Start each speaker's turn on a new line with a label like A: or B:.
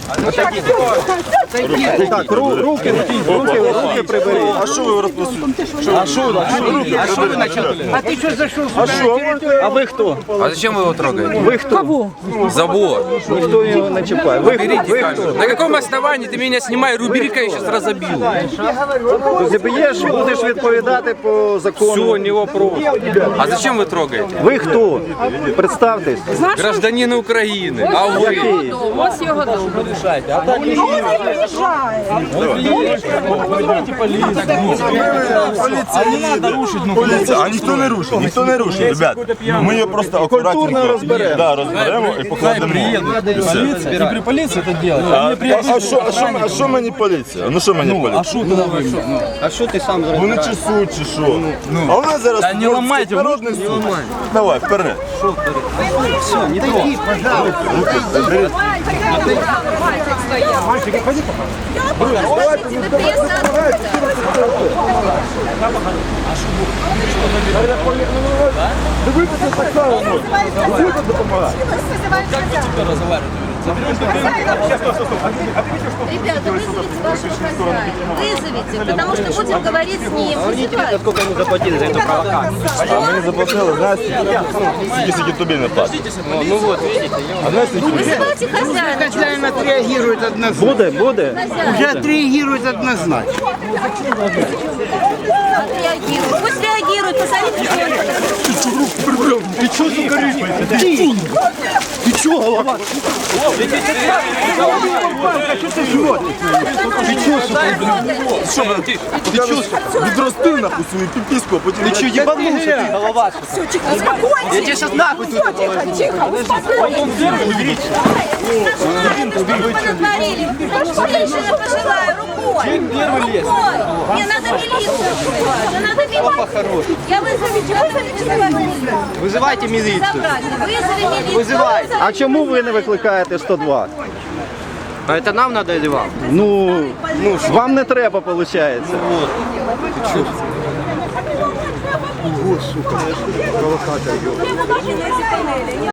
A: Так, руки приберіть.
B: А що ви розпустили?
A: А що ви начали?
C: А ты что зашел
A: А
C: сюда?
A: що? А ви хто?
D: А зачем вы его трогаете?
A: Ви хто?
D: Забор.
A: Ніхто його не чіпає. Ви хто?
D: На каком основании ты меня снимай? Руберика я сейчас разобью.
A: Заб'єш, будеш відповідати по закону.
D: Все, не вопрос. А зачем вы трогаете?
A: Ви хто? Представтесь.
D: Гражданин Украины. А вы?
E: Ось його дом.
B: Поліція, а ніхто не рушить, ребят. Ми її просто акуратненько
A: Культурно розберемо.
B: Да, розберемо і покладемо. І все.
C: И при полиции это делать.
B: А що мені поліція? Ну що мені поліція?
C: Что тогда вы?
A: А що ти сам
B: Вони чесуть чи що? А у нас зараз...
C: Та не ламайте,
B: народний суд. Давай, вперед.
E: Ребята, вызовите вашего хозяина. Вызовите, потому что будем говорить с ним. Вызывайте.
A: скільки йому заплатили за цю провокацію?
B: А мені заплатили, знаєш, скільки тобі не платять.
A: Ну вот, видите.
B: А знаєш, скільки?
E: Вызывайте хозяина.
C: Хозяин отреагирует однозначно.
A: Буде?
C: Уже отреагирует однозначно.
E: Отреагирует. Пусть реагирует. Посмотрите, что он
A: Ти чого, сука, рипаєш? Ти чого, голова?
B: Відрости нахуй свою піпіску, а потім...
A: Ти чого, їбанувся ти, голова? Я тебе зараз нахуй тут
E: натворили. Женщина пожилая, рукой. Рукой. Не надо милицию. Не надо милицию. Я вызовите.
A: Визивайте міліцію.
E: Вызови милицию.
A: Визивайте. А чому ви не викликаєте 102?
F: А это нам надо или вам?
A: Ну, вам не треба, виходить.